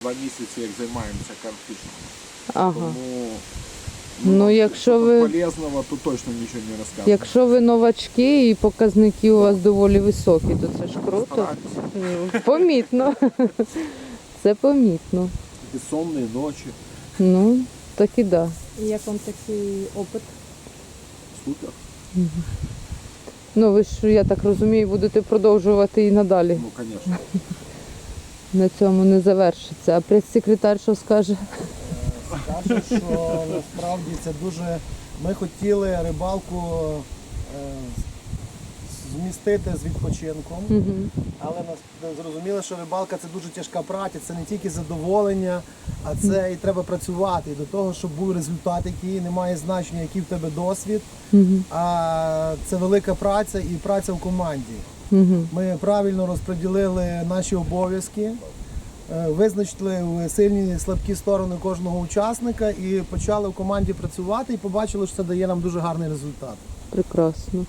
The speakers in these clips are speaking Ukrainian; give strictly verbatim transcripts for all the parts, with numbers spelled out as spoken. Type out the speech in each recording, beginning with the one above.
Два місяці, як займаємося карпфішем. Ага. Тому Ну, ну, якщо що-то ви- полезного, то точно нічого не розказуємо. Якщо ви новачки і показники у вас доволі високі, то це ж круто. Стараємося. Ну, помітно. Це помітно. Безсонні ночі. Ну, так і да. І як вам такий опит? Супер. Ну, ви ж, я так розумію, будете продовжувати і надалі. Ну, звісно. На цьому не завершиться. А прес-секретар що скаже? Скажу, що насправді це дуже... Ми хотіли рибалку е, змістити з відпочинком, Угу. але нас зрозуміли, що рибалка це дуже тяжка праця, це не тільки задоволення, а це і треба працювати. І до того, щоб був результат, який не має значення, який в тебе досвід, Угу. а це велика праця і праця в команді. Угу. Ми правильно розподілили наші обов'язки, е, визначили сильні і слабкі сторони кожного учасника і почали в команді працювати і побачили, що це дає нам дуже гарний результат. Прекрасно.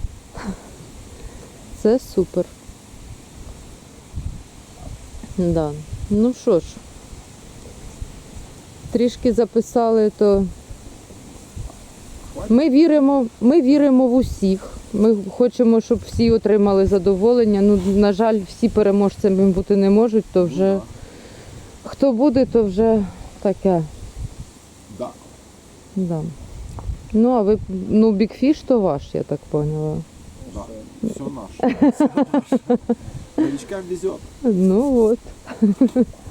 Це супер. Да. Ну що ж, трішки записали, то ми віримо, ми віримо в усіх. Ми хочемо, щоб всі отримали задоволення. Ну, на жаль, всі переможцями бути не можуть, то вже хто буде, то вже таке. Да. Да. Ну, а ви, ну, бікфіш то ваш, я так поняла. Да. Все наше. Новичкам везет. Ну от.